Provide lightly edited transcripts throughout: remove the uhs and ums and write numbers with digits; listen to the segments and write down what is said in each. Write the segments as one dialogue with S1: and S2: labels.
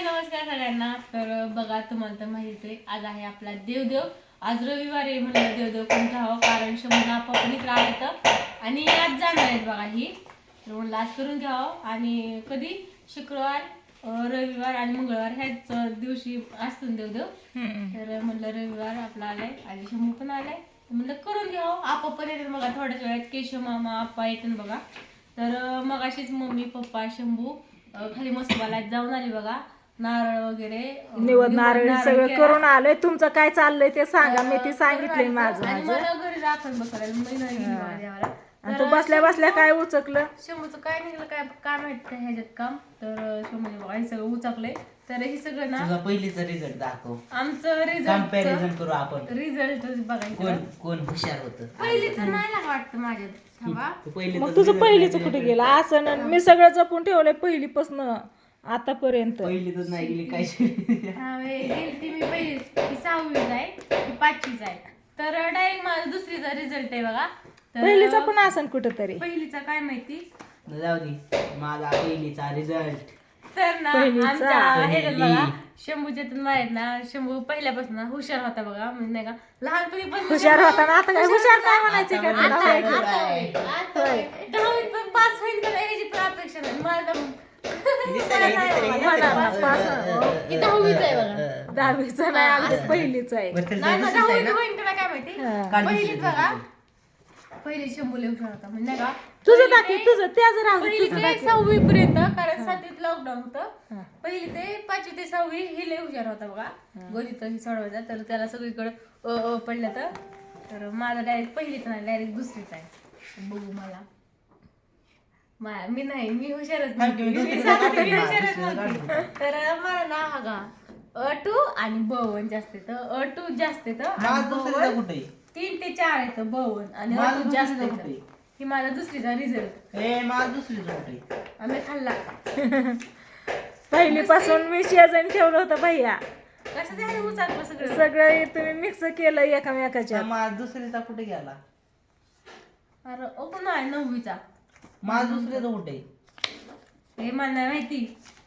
S1: नमस्कार सगळ्यांना. तर बघा, तुम्हाला तर माहित आहे आज आहे आपला देवदेव. आज रविवार आहे म्हणलं देवदेव कोण घ्यावं, कारण शंभर आपण इकडे आलं आणि आज जाणार आहेत बघा ही. तर म्हणलं आज करून घ्यावं. आणि कधी शुक्रवार, रविवार आणि मंगळवार ह्याच दिवशी असतो देवदेव. तर म्हणलं रविवार आपला आलाय आणि शंभू पण आलाय, म्हणलं करून घ्यावं. आपा पण येतात बघा थोड्याच वेळात. केशव मामा आप्पा येतात बघा. तर मग अशीच मम्मी पप्पा शंभू खाली मस्तवाला जाऊन आली बघा. नारळ वगैरे
S2: निवड नारळ सगळं करून आलोय. तुमचं काय चाललंय ते सांगा. मी ती सांगितलंय माझं
S1: मला घरी राखण बसायला मी नाही गेली देवाला.
S2: आणि तू बसल्या बसल्या काय उचकलं
S1: शंभूचं काय निघलं काय माहित काय ह्याच्यात काम. तर शंभूने बघा हे सगळं उचकलंय. तर हे सगळं ना
S3: तुझा पहिलीचा रिझल्ट दाखव.
S1: आमचं
S3: कंपॅरिझन करू आपण.
S1: रिझल्ट बघायचं.
S3: कोण हुशार होतं.
S1: पहिलीच नाही लाग वाटतं माझ्यात.
S2: मग तुझं पहिलीच कुठे गेलं असं. मी सगळं जपून ठेवलंय पहिलीपासून आतापर्यंत.
S3: पहिलीतच नाही गेली काय.
S1: गेलती मी पहिली, ती 6वीच आहे, ती 5वीच आहे. तर डायरेक्ट माझा दुसरीचा रिझल्ट आहे बघा.
S2: पहिलीचा पण असं कुठंतरी.
S1: पहिलीचा काय माहिती.
S3: जाऊ दे, माझा पहिलीचा रिझल्ट.
S1: तर ना
S2: पहिलीचा.
S1: आमच्या ह्याच्यात बघा शंभूच्या आहेत ना, शंभू पहिल्यापासून हुशार होता बघा. म्हणजे नाही का लहानपणीपासून
S2: हुशार होता ना. आता काय हुशार काय म्हणायचं का तुला?
S1: दहावीत पण पास होईल का नाही ह्याची पण अपेक्षा नाही मला. दहावीच आहे बघा.
S2: दहावीचा नाही अगदी पहिलीच आहे.
S1: नाही ना, दहावीत होईल का काय माहिती. पहिलीच बघा, पहिली शंभू लय हुशार होता. म्हणजे नाही का
S2: तुझं दाखव तुझं त्याच राहू दे,
S1: पहिली
S2: तुझं
S1: ते
S2: दाखव.
S1: 6वी पर्यंत, कारण 7वीत लॉकडाऊन होतं. पहिली ते 5वी ते 6वी ही लय हुशार होता बघा. गणित ही सोडवायचा. तर त्याला सगळीकडे पडलं तर माझा डायरेक्ट पहिलीच नाही, डायरेक्ट दुसरीच आहे. बघू मला मी नाही, मी हुशारच नव्हती. मी सांगते, मी हुशारच नव्हती. तर मला ना हा गा अ2 आणि ब1 जास्त येतं. अ2 जास्त येतं.
S3: कुठे
S1: 3 ते 4 येतं ब1 आणि अ2 जास्त येतं. ही माझा दुसरीचा रिझल्ट.
S3: माझा दुसरीचा कुठे
S1: आम्ही खाल्ला.
S2: पहिलीपासून मी शेजारी ठेवलं होतं भैया.
S1: कसं झालं उचाकलं सगळं.
S2: सगळं तुम्ही मिक्स केलं एकामेकाच्या.
S3: माझा दुसरीचा कुठे गेला.
S1: अरे ओपन आहे 9वीचा.
S3: माझा दुसरीचा कुठे.
S1: हे मला नाही माहिती.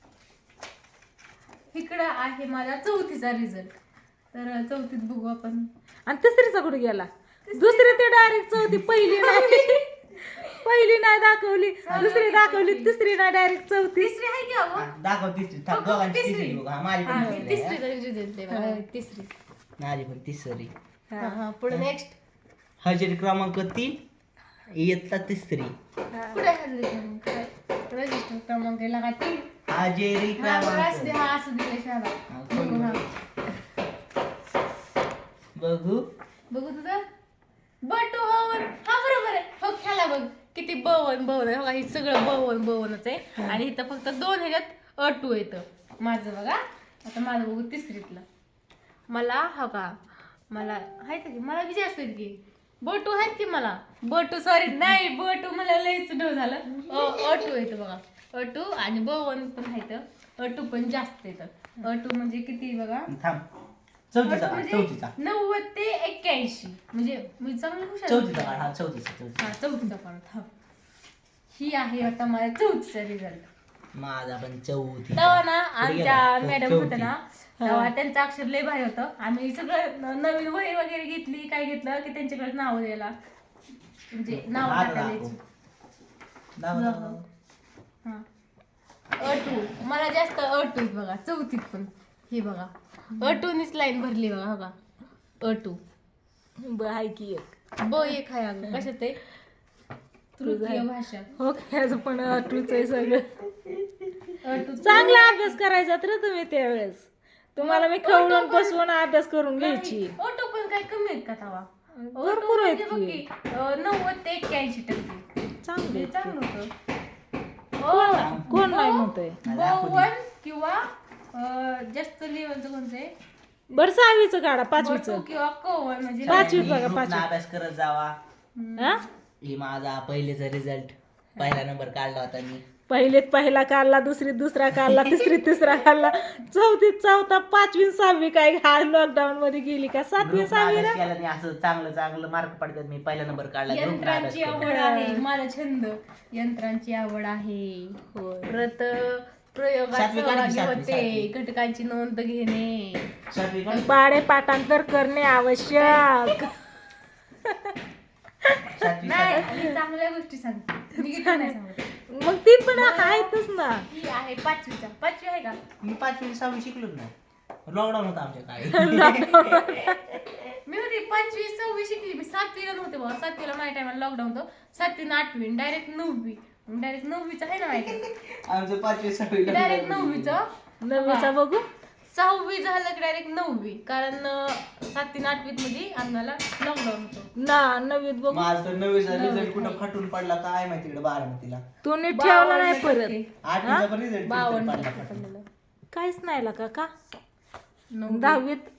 S1: इकडं आहे माझा 4थीचा रिझल्ट. तर 4थीत बघू आपण.
S2: आणि तिसरीचा कुठे गेला. दुसरी ते डायरेक्ट चौथी. पहिली नाही पहिली नाही दाखवली, दुसरी दाखवली, तिसरी नाही डायरेक्ट चौथी.
S1: तिसरी आहे की अगो.
S3: दाखव तिसरी. दोघांची तिसरी बघ. माझी पण
S1: तिसरीचा रिझल्ट आहे बघा. तिसरी.
S3: माझी पण तिसरी.
S1: पुढे नेक्स्ट.
S3: हजेरी क्रमांक 3 इयत्ता तिसरी.
S1: कुठे आहे रजिस्टर क्रमांक लागा 3.
S3: हजेरी क्रमांक.
S1: हा असं दिलं शाळा. बघू हा.
S3: बघू
S1: तुझं बटू बवन. हा बरोबर आहे. हो खेळा बघ किती बवन आहे. बघा हे सगळं बवनच आहे. आणि इथं फक्त 2 ह्याच्यात अ2 येतं माझं बघा. आता माझं बघू तिसरीतलं. मला हा का मला आहेत की मला बी जास्त आहेत की बटू आहेत की मला. बटू सॉरी नाही बटू मला लयच डो झालं. अ2 येतं बघा. अ2 आणि बवन पण आहेत. अ2 पण जास्त येतं. अ2 म्हणजे किती बघा.
S3: थांब. चौथीचा
S1: 90 ते 81. म्हणजे मी चांगलं हुशार.
S3: चौथीचा काढ. हा चौथीचा.
S1: हा 4थीचा काढत. हा ही आहे आता माझा 4थीचा रिझल्ट.
S3: माझा पण चौथी.
S1: तेव्हा ना आमच्या मॅडम होत्या ना, तेव्हा त्यांचं अक्षर लय भारी होतं. आम्ही सगळं नवीन वही वगैरे घेतली काय घेतलं की त्यांच्याकडे नाव द्यायला, म्हणजे नाव टाकायला. हा अ2 मला जास्त अ2 बघा. 4थीत पण हे बघा अ2नीच लाईन भरली बघा. बघा अ2
S2: आहे की एक.
S1: एक आहे अगं. कशात आहे. तृतीय भाषा.
S2: हो त्याचं पण अटूच आहे सगळं.
S1: अ2
S2: चांगला अभ्यास करायचा तर तुम्ही त्यावेळेस. तुम्हाला मी खवळून बसवून अभ्यास करून घ्यायची.
S1: ऑटो पण काय कमी आहेत का तवा.
S2: भरपूर आहेत की.
S1: 90 ते 81%.
S2: चांगले
S1: चांगलं होतं.
S2: कोण नाही म्हणतोय.
S1: ब1 किंवा जास्त लेवलचं कोणतं आहे.
S2: बरं 6वीचं काढा. 5वीचं
S1: किंवा क1 म्हणजे
S2: 5वीत बघा.
S3: ग्रुपनं
S2: 5वीत
S3: अभ्यास करत जावा.
S2: हा
S3: ही माझा पहिलेचा रिझल्ट. पहिला नंबर काढला होता मी.
S2: पहिलीत पहिला काढला, दुसरीत दुसरा काढला, तिसरीत तिसरा काढला, चौथीत चौथा, 5वी 6वी काय हा लॉकडाऊन मध्ये गेली का. 7वी 6वी
S3: केला नाही असं चांगलं मार्क पडतात. मी पहिला नंबर काढला.
S1: यंत्रांची आवड आहे. माझा छंद यंत्रांची आवड आहे. परत प्रयोगात
S3: सातवी काढली,
S1: सहभागी
S3: सातवी,
S1: होते
S3: सातवी.
S1: घटकांची नोंद घेणे
S3: सातवी काढ.
S2: पाडे पाठांतर करणे आवश्यक.
S3: सातवी
S1: नाही
S3: सातवी.
S1: मी चांगल्या गोष्टी सांगते निगेटिव्ह नाही सांगत
S2: मग ती पण आहेतच ना.
S1: ही आहे पाचवी आहे का
S3: मी 5वी 6वी शिकलोच नाही, लॉकडाऊन होता आमच्या काळी.
S1: मी होती 5वी 6वी शिकली मी 7वीला नव्हते बाबा 7वीला माझ्या टायमाला लॉकडाऊन होतं 7वी 8वी डायरेक्ट 9वी डायरेक्ट 9वीचं आहे ना माहिती
S3: आमचं 5वी 6वी
S1: डायरेक्ट 9वीचं
S2: 9वीचा बघू.
S1: 6वी झालं की डायरेक्ट 9वी कारण 7वी 8वीत मध्ये आम्हाला लॉकडाऊन होतं
S2: ना 9वीत बघू.
S3: माझं तर 9वीचा रिझल्ट कुठं फाटून पडला काय माहिती इकडे 12वीला.
S2: तू नीट ठेवला नाही परत.
S3: 8वीचा पण रिझल्ट
S1: 52
S3: पडला
S1: टक्के
S3: फाटून.
S1: पडलेलं.
S2: काहीच नाही ला का
S1: 9वी
S2: 10वीत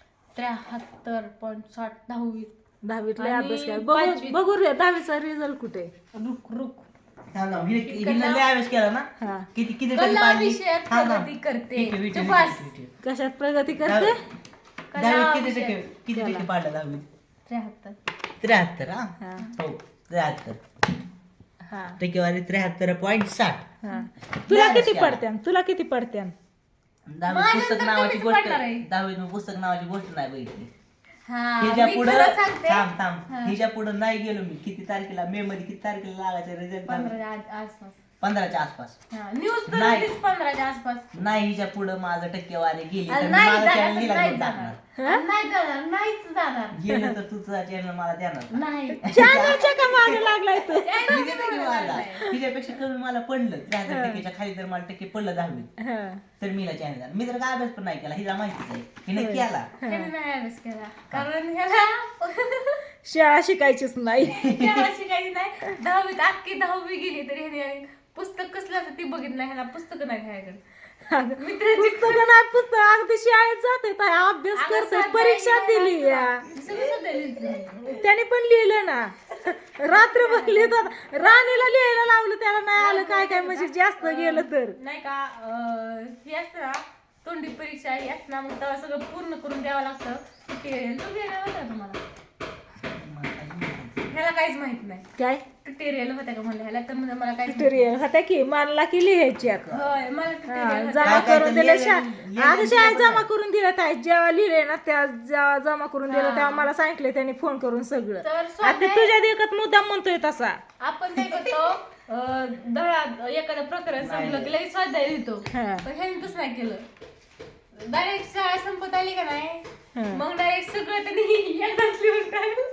S1: 73.60
S2: 10वीत लय
S1: आणि
S2: अभ्यास केला.
S1: 5वीत.
S2: बघू रे 10वीचा रिझल्ट कुठे.
S1: रुक
S3: थांब थांब. हिने लय अभ्यास केला ना.
S2: हा
S3: किती किती
S1: कला
S3: टक्के पाडली?
S1: विषयात
S3: थांब, थांब.
S1: प्रगती करते.
S3: ठीक आहे, विचार,
S1: चुप बस.
S3: विचार, विचार.
S2: कशात प्रगती करते.
S3: दहावीत किती
S1: विषयात.
S3: टक्के किती टक्के पाडला 10वीत?
S1: 73
S3: 73. हा
S2: हा
S3: हो 73
S2: हा
S3: टक्केवारी 73.60.
S2: हा. तुला
S3: लय
S2: किती
S3: अभ्यास केला.
S2: पडत्यान तुला किती पडत्यान.
S3: दहावीत
S1: माझ्या
S3: पुस्तक
S1: तर
S3: नावाची
S1: कमीच
S3: गोष्ट
S1: पडणार आहे.
S3: दहावीत मी पुस्तक नावाची गोष्ट नाही बघितली.
S1: हा
S3: हिच्या
S1: मी
S3: पुढं
S1: खरं सांगते
S3: थांब थांब
S1: हा.
S3: हिच्या पुढं नाही गेलो मी. किती तारखेला मे मध्ये किती तारखेला लागायचा रिझल्ट?
S1: 15 आसपास
S3: 15च्या आसपास.
S1: न्यूज तर
S3: नाही.
S1: होतीच 15च्या आसपास
S3: नाही हिच्या पुढं माझं टक्केवारी गेली तर
S1: आणि
S3: मी
S1: नाही
S3: माझा
S1: जाणार,
S3: चॅनल हिला
S1: नाही
S3: घेऊन
S1: जाणार.
S3: टाकणार.
S1: आणि नाही जाणार नाहीच जाणार
S3: गेलं तर तू तुझा चॅनल मला देणार का?
S1: नाही
S2: चॅनलच्या का मागे लागलाय तू.
S3: मी देतो की मला. हिच्यापेक्षा कमी मला पडलं 73% खाली जर मला टक्के पडलं 10वीत
S2: हा.
S3: तर मीला चॅनल देणार. मी तर काय अभ्यास पण नाही केला, हिला माहितीच आहे हिने केला.
S1: त्याने नाही अभ्यास केला कारण ह्याला
S2: शाळा शिकायचीच नाही.
S1: शाळा शिकायची नाही 10वीत अख्खी 10वी गेली तरी ह्याने पुस्तक कसलं असं ती बघितलं ह्याला पुस्तक नाही ह्याकडे
S2: पुस्तक नाही पुस्तक अगदी शाळेत जाते अभ्यास करते परीक्षा दिली या. त्याने पण लिहिलं ना रात्रभर लिहितात. राणीला लिहायला लावलं त्याला नाही आलं काय काय म्हणजे जास्त गेलं तर
S1: नाही का हे असतं ना तोंडी परीक्षा ही असतं ना मग तेव्हा सगळं पूर्ण करून द्यावं लागतं ते तो गेला होता तुम्हाला ह्याला काहीच माहित नाही
S2: काय
S1: ट्युटोरियल होत्या का म्हणलं ह्याला तर म्हणजे मला काहीच माहित
S2: ट्युटोरियल होता की मानला की लिहायची आता.
S1: नाही. होय मला tutorial होतं.
S2: जमा
S3: काय
S2: करून
S3: तर
S2: दिलं
S3: लिहिलं-
S2: आता शाळेत जमा करून दिलं काय जेव्हा लिहिले ना त्या जेव्हा जमा करून दिलं तेव्हा मला सांगितलं त्यांनी फोन करून सगळं.
S1: तर
S2: आता
S1: स्वाध्याय
S2: तुझ्या देखत मुद्दाम म्हणतोय तसा.
S1: आपण काय करतो धडा एखादं प्रकरण संपलं की लगेच स्वाध्याय लिहितो
S2: हा.
S1: पण ह्याने तसं नाही केलं डायरेक्ट शाळा संपत आली का नाही
S2: हा.
S1: मग डायरेक्ट सगळं त्यांनी एकदाच लिहून काढलं.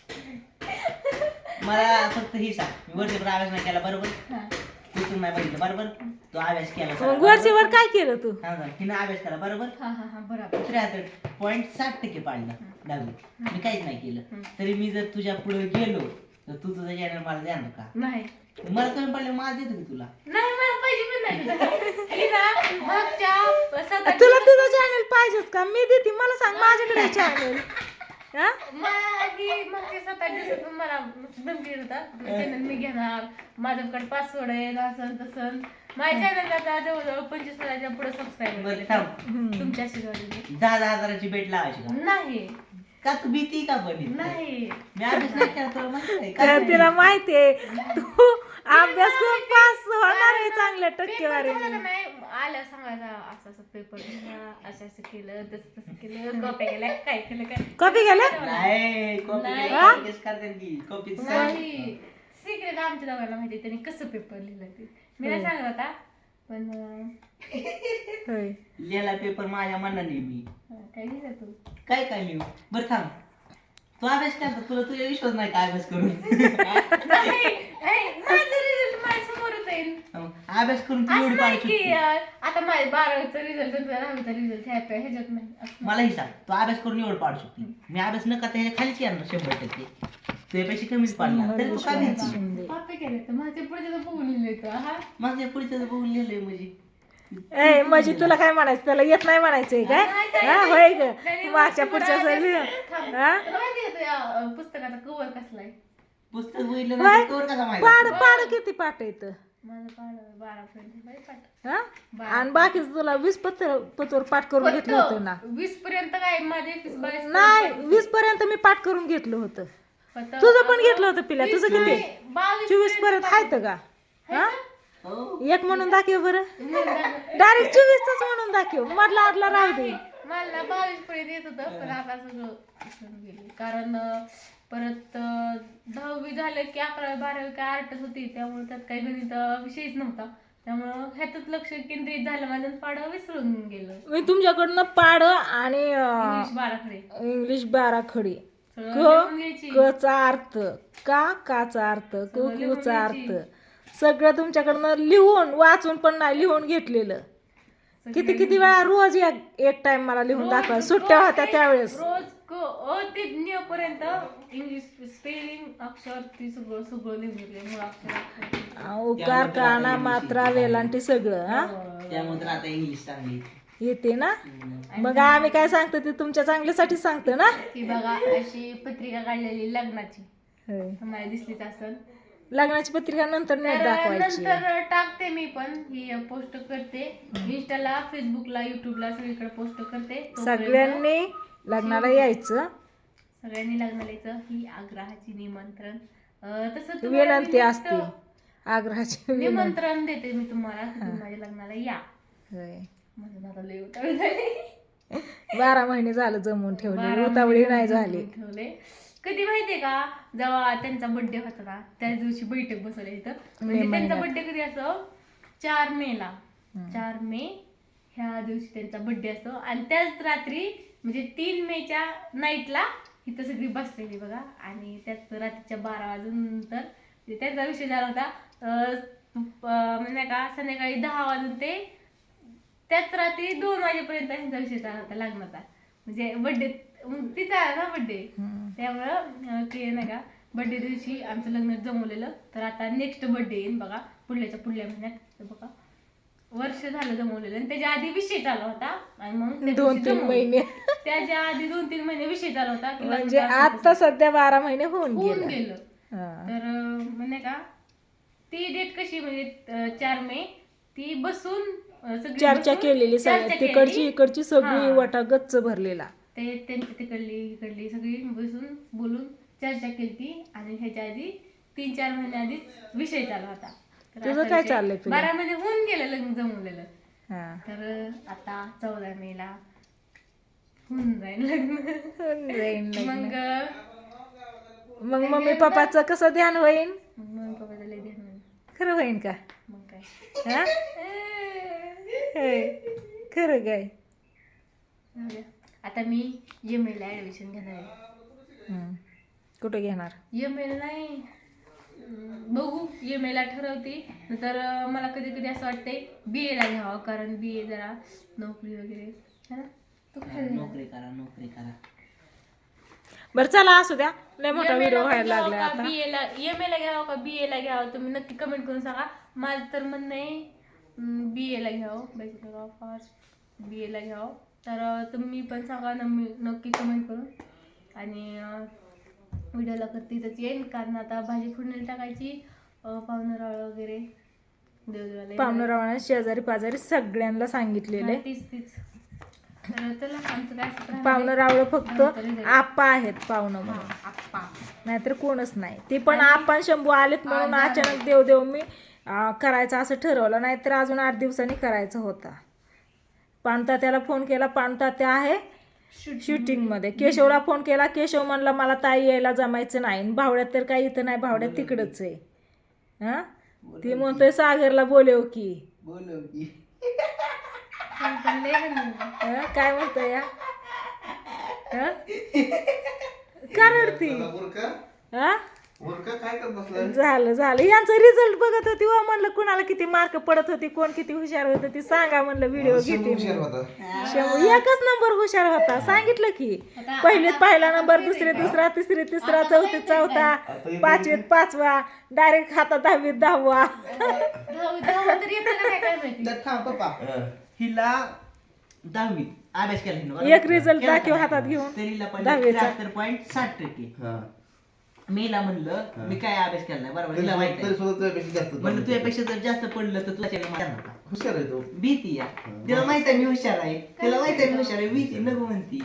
S3: मला फक्त ही सांग, मी वर्षभर अभ्यास नाही केला बरोबर,
S1: हा.
S3: तू नाही बघितलं बरोबर, तू अभ्यास केला
S2: मग
S3: सगळा,
S2: वरचीवर
S3: बरोबर?
S2: काय केलं तू.
S3: हा, हा. हिनं अभ्यास केला बरोबर,
S1: हा हा हा बरोबर
S3: 73.60% पाडला 10वीत. मी काहीच नाही केलं तरी मी जर तुझ्या पुढे गेलो तर तू तुझा चॅनल मला देणार का?
S1: नाही
S3: मला कमी पडलं मला देतो की तुला.
S1: नाही मला पाहिजे पण नाही हे ना, मागच्या
S2: तुला तुझं चॅनल पाहिजेच का मी देते मला सांग माझ्याकडे चॅनल.
S1: मागच्या 7-8 दिवसात मला धमकी येत होता चॅनल मी घेणार माझ्याकडे पासवर्ड आहे असं तसं. माझ्या चॅनल आता जवळजवळ 25,000च्या पुढे सबस्क्राईबर
S3: बरं थांब,
S1: तुमच्या आशीर्वादाने
S3: 10,000 हजाराची बेट लावायची का?
S1: नाही
S3: का तू भीती का बनी?
S1: नाही
S3: मी अभ्यास नाही केला तुला माहिती आहे का?
S2: तर तिला माहितीये तू अभ्यास करून पास होणार आहे चांगल्या
S1: पेपर
S2: टक्केवारी.
S1: झाला का नाही आलं सांगायचं असं असं पेपर असं असं केलं तसं तसं केलं कॉप्या केल्या काय केलं काय
S2: कॉपी गेलं
S3: नाही कॉपी
S1: नाही.
S3: केस करते की कॉपी
S1: नाही सिक्रेट आमच्या दोघांना माहिती त्यांनी कसं पेपर लिहिलं ते मी नाही सांगत होता पण
S2: होय.
S3: लिहिला पेपर माझ्या मनाने मी
S1: काय लिहिलं तू
S3: काय काय लिहू. बरं थांब, तू अभ्यास करतो तुला तुझ्या विश्वास नाही काय अभ्यास करून.
S1: नाही, माझं result माझ्यासमोरच येईल.
S3: अभ्यास करून तू
S1: असं
S3: एवढी
S1: नाही
S3: पाडू
S1: की
S3: शकते.
S1: आता माझ्या 12वीचा रिझल्ट 10वीचा रिझल्ट ह्याच्यात नाही असं.
S3: मला ही सांग, तू अभ्यास करून एवढं पाडू शकते, मी अभ्यास न करता ह्याच्या खालीच येणार 100%. तुझ्यापेक्षा कमीच पाडणार तरी तू काय भीती.
S1: कॉपी केलं तर माझ्या पुढे बघून लिहिलं हा
S3: माझ्या पुढच्या बघून लिहिलंय म्हणजे
S2: ए म्हणजे तुला काय म्हणायचं त्याला येत नाही म्हणायचंय काय हा होय ग मागच्या पुढच्या
S1: थांब.
S2: हा
S1: तुला माहिती आहे का त्या पुस्तकाचा कव्हर कसला आहे
S3: पुस्तक बघितलं नाही तर कवर कसा माहिती?
S2: पाड पाड किती पाठ येत
S1: माझं 12 पर्यंत पाठ
S2: हा आणि बाकीच तुला 20 पत्र पाठ करून घेतलं होतं ना.
S1: 20 पर्यंत काय माझे 22
S2: नाही 20 पर्यंत मी पाठ करून घेतलं होतं. तुझं पण घेतलं होतं पिल्या तुझं किती 24 पर्यंत आहेत का हा
S3: हो.
S2: एक म्हणून दाखव बरं, डायरेक्ट 24 तास म्हणून दाखव, मधला आदला राहू दे.
S1: मला 22 पर्यंत येत होतं, पण आता सगळं विसरून गेले. कारण परत 10वी झालं की 11वी 12वी काय आर्टच होती, त्यामुळे त्यात काही गणित विषयच नव्हता. त्यामुळं ह्यातच लक्ष केंद्रित झालं माझं, पाडं विसरून गेलं.
S2: मी तुमच्याकडनं पाड आणि
S1: इंग्लिश बाराखडे
S2: इंग्लिश बाराखडी,
S1: सगळं
S2: क
S1: लिहून घ्यायची.
S2: कचा अर्थ, काचा अर्थ, कुचा अर्थ, सगळं तुमच्याकडनं लिहून वाचून पण नाही, लिहून घेतलेलं. किती वेळा रोज एक टाइम मला लिहून दाखवा, सुट्ट्या होत्या त्यावेळेस.
S1: रोज ते न्य पर्यंत इंग्लिश स्पेलिंग अक्षर ती सगळं लिहून घेतले. मूळ अक्षर,
S2: उकार, काना, मात्रा, वेलांटी सगळं. हा
S3: त्यामुळे तर आता इंग्लिश चांगली
S2: येते ना. मग आम्ही काय सांगतो ते तुमच्या चांगल्यासाठी सांगतो ना.
S1: ती बघा अशी पत्रिका काढलेली लग्नाची,
S2: होय.
S1: तुम्हाला दिसलीच असेल.
S2: लग्नाची पत्रिका नंतर नाही दाखवायची.
S1: नंतर टाकते मी पण, ही पोस्ट करते इंस्टाला, फेसबुकला, युट्यूबला, सगळीकडे पोस्ट करते.
S2: सगळ्यांनी लग्नाला यायचं,
S1: सगळ्यांनी लग्नाला यायचं, ही आग्रहाची निमंत्रण. तसं तुम्हाला
S2: विनंती असते, आग्रहाची विनंती.
S1: निमंत्रण देते मी तुम्हाला, तुम्ही माझ्या लग्नाला या.
S2: होय.
S1: माझं आता लय उतावळी झाली.
S2: 12 महिने झालं जमून ठेवले, उतावळी नाही झाली.
S1: ठेवले. कधी माहितीये का, जेव्हा त्यांचा बर्थडे होता ना, त्याच दिवशी बैठक बसवली इथं. म्हणजे त्यांचा बर्थडे कधी असतो, 4 मेला. 4 मे ह्या दिवशी त्यांचा बर्थडे असतो. आणि त्याच रात्री म्हणजे 3 मेच्या नाईटला इथं सगळी बसलेली बघा. आणि त्याच रात्रीच्या 12 वाजूनंतर त्यांचा विषय झाला होता, म्हणजे का संध्याकाळी 10 वाजून ते त्याच रात्री 2 वाजेपर्यंत त्यांचा विषय चालला होता लग्नाचा. म्हणजे बर्थडे तिचा ना बर्थडे, त्यामुळं ते नाही का बर्थडे दिवशी आमचं लग्न जमवलेलं. तर आता नेक्स्ट बर्थडे येईन बघा, पुढल्या महिन्यात. तर बघा वर्ष झालं जमवलेलं, आणि त्याच्या आधी विषय चालू होता. आणि मग
S2: 2-3 महिने,
S1: त्याच्या आधी 2-3 महिने विषय चालू होता की
S2: म्हणजे आता सध्या 12 महिने होऊन
S1: होऊन
S2: गेलं.
S1: गेलं. तर म्हणजे का ती डेट कशी, म्हणजे 4 मे ती बसून सगळी
S2: चर्चा
S1: बसून
S2: केलेली,
S1: चर्चा
S2: तिकडची
S1: केली.
S2: इकडची सगळी
S1: हा.
S2: वाटा गच्च भरलेला.
S1: ते त्यांची तिकडली इकडली सगळी बसून बोलून चर्चा केली. आणि ह्याच्या आधी 3-4 महिन्या आधीच विषय चालू होता. तर
S2: तुझं
S1: असा
S2: काय
S1: विषय
S2: चाललंय तुझं?
S1: 12 महिने होऊन गेलं लग्न जमवलेलं.
S2: हा.
S1: तर आता 14 मेला होऊन जाईल लग्न.
S2: होऊन जाईन लग्न.
S1: मग
S2: मग मम्मी पप्पाचं कसं ध्यान होईन,
S1: मग पप्पा लय ध्यान होईल.
S2: खरं होईन का?
S1: मग काय
S2: हा? होय. खरं काय?
S1: जाऊ द्या. आता मी MA ला ऍडमिशन घेणार आहे.
S2: कुठे घेणार?
S1: MA नाही, बघू MA ला ठरवते. नंतर मला कधी कधी असं वाटतंय BA ला घ्यावं, कारण BA जरा नोकरी वगैरे है ना. तू काय घेणार?
S3: नोकरी करा.
S2: बरं चला असू द्या, लय मोठा
S1: MA
S2: व्हिडिओ
S1: ला
S2: व्हायला
S1: घ्यावं
S2: लागलाय
S1: का
S2: आता.
S1: BA ला, MA ला घ्यावं का BA ला घ्यावं, तुम्ही नक्की कमेंट करून सांगा. माझं तर म्हणणं आहे BA ला घ्यावं, बॅचलर ऑफ आर्ट्स BA ला घ्यावं. तर तुम्ही पण सांगा नक्की कमेंट करून. आणि व्हिडिओला करते तर येईल, कारण आता भाजी फोडणी टाकायची, पाहुणराळ वगैरे देवदेवाला
S2: पाहुणरावाने शेजारी पाजारी सगळ्यांना सांगितलेलं आहे.
S1: तीच. तर चला आमचं काय असं राहणार आहे.
S2: पाहुणं रावळं फक्त
S1: नंतर result.
S2: आप्पा आहेत पाहुणं म्हणून,
S1: हा, आप्पा.
S2: नाहीतर कोणच नाही. ते पण आप्पा शंभू आलेत म्हणून अचानक देव मी करायचं असं ठरवलं, नाहीतर अजून 8 दिवसांनी करायचं होता. पाणतात्याला फोन केला, पाणतात्या आहे शूटिंग मध्ये. केशवला फोन केला, केशव म्हणला मला ताई यायला जमायचं नाही. भावड्यात तर काही इथं नाही, भावड्यात तिकडच आहे. हा, ती म्हणतोय सागरला बोलव की. काय म्हणतोय या, का रडती? हा, झालं यांचा रिझल्ट बघत होती व म्हणलं कुणाला किती मार्क पडत होती, कोण किती हुशार होत ती सांगा म्हणलं. व्हिडिओ घेते. एकच नंबर हुशार होता, सांगितलं की. पहिलीत पहिला नंबर, दुसरे दुसरा, तिसरी तिसरा, चौथीत चौथा, 5वीत 5वा, डायरेक्ट खाता 10वीत 10वा.
S3: हिला 10वीत अभ्यास केला,
S2: एक रिझल्ट दाखव हातात घेऊन.
S3: तरीला
S2: 10वीचा.
S3: मेला म्हणलं मी काय अभ्यास केला नाही, बरोबर. तिला माहिती म्हणलं तुझ्यापेक्षा जर जास्त पडलं तर तुला हुशार आहे तो. भीती या तिला माहित आहे मी हुशार आहे, तिला माहित आहे मी हुशार आहे, भीती नको म्हणती.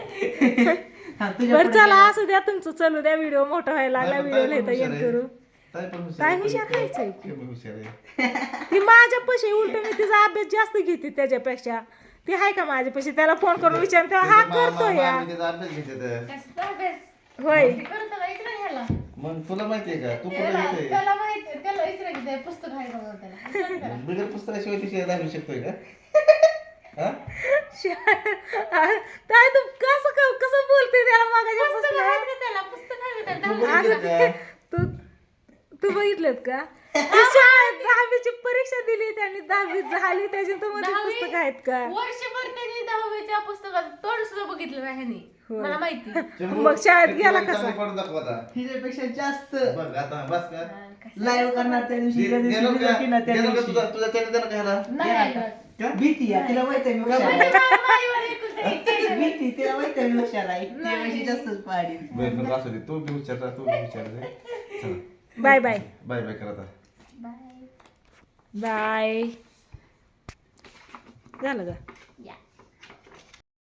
S2: बरं चला असू द्या, तुमचं चालू द्या. व्हिडिओ मोठा व्हायला लागला, व्हिडिओ लिहिता येईल करू. काय हुशार खायचंय ती माझ्या पैसे उलट मी तिचा अभ्यास जास्त घेते त्याच्यापेक्षा ती आहे का माझ्या पैसे त्याला फोन करून विचार तेव्हा हा करतो या
S1: कशाचा अभ्यास
S2: होय
S1: ते करतो का इकडे घ्यायला
S4: मग तुला माहितीये का तू कुठे
S1: त्याला
S4: घेते
S1: त्याला माहिती त्याला इकडे घ्यायचं पुस्तक आहे का बघा त्याला विचार करा.
S4: बिगर पुस्तकाशिवाय ती दाखवू शकतोय का हा?
S2: काय तू कसं बोलते त्याला
S1: पुस्तक
S2: मागाच्या
S1: आहे का त्याला पुस्तक आहे का
S4: तू
S1: त्याला
S4: बघितलं का?
S2: तू बघितलेत का ती शाळेत 10वीची परीक्षा दिली त्यांनी 10वी झाली त्याची तुम्हाला पुस्तक आहेत का
S1: वर्षभर त्यांनी 10वीच्या पुस्तकात तोंड सुद्धा बघितलं नाही ह्यानी. मला माहिती
S2: मग शाळेत गेला कसा
S4: चांगली पडून दाखव आता.
S3: हिच्यापेक्षा जास्त
S4: बघ आता बस का
S3: लाईव्ह करणार त्या दिवशी
S4: देणं का?
S3: result ना त्या
S4: देणं का
S3: दिवशी.
S4: तुझा त्याने देणं का ह्याला?
S1: नाही ऐकत.
S3: भीती आहे तिला माहित आहे मी हुशार
S1: म्हणजे
S3: आहे.
S1: माईवर एकुलती एक केलं नाही.
S3: भीती तिला माहित आहे मी हुशार आहे त्यापेक्षा जास्तच पाडी
S4: बरं बरं असू दे तू बी विचारला तू बी विचारलं चला
S2: बाय बाय
S4: बाय बाय कर आता
S1: बाय
S2: बाय झालं का
S1: या